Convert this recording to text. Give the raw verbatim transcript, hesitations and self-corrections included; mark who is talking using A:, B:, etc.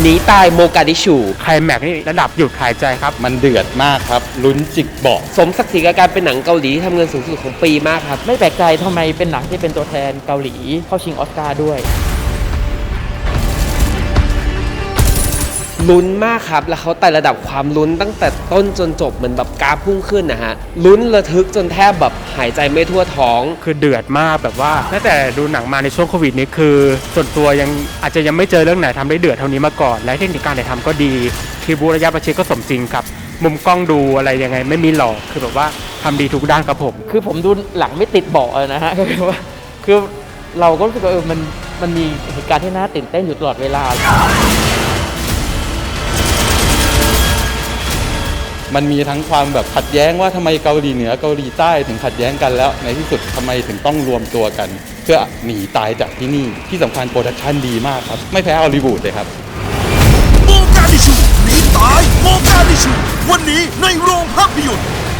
A: หนีตายโมกาดิชู
B: ไคลแม็กซ์นี่ระดับหยุดหายใจครับ
C: มันเดือดมากครับลุ้นจิกเบาะ
A: สมศักดิ์ศรีกับการเป็นหนังเกาหลีที่ทำเงินสูงสุดของปีมากครับ
D: ไม่แปลกใจทำไมเป็นหนังที่เป็นตัวแทนเกาหลีเข้าชิงออสการ์ด้วย
A: ลุ้นมากครับแล้วเขาไต่ระดับความลุ้นตั้งแต่ต้นจนจบเหมือนแบบกราฟพุ่งขึ้นนะฮะลุ้นระทึกจนแทบแบบหายใจไม่ทั่วท้อง
B: คือเดือดมากแบบว่าตั้งแต่ดูหนังมาในช่วงโควิดนี้คือส่วนตัวยังอาจจะยังไม่เจอเรื่องไหนทำได้เดือดเท่านี้มาก่อนและเทคนิคการถ่ายทำก็ดีคีบูระยะประชิดก็สมจริงครับมุมกล้องดูอะไรยังไงไม่มีหลอกคือแบบว่าทำดีทุกด้านครับผม
D: คือผมดูหลังไม่ติดเบาะนะฮะก็คือว่าคือเราก็รู้สึกว่าเออมันมันมีเหตุการณ์ที่น่าตื่นเต้นอยู่ตลอดเวลา
C: มันมีทั้งความแบบขัดแย้งว่าทำไมเกาหลีเหนือเกาหลีใต้ถึงขัดแย้งกันแล้วในที่สุดทำไมถึงต้องรวมตัวกัน เพื่อหนีตายจากที่นี่ที่สำคัญโปรดักชันดีมากครับไม่แพ้ฮอลลีวูดเลยครับ
E: โมกาดิชูหนีตายโมกาดิชูวันนี้ในโรงภาพยนตร์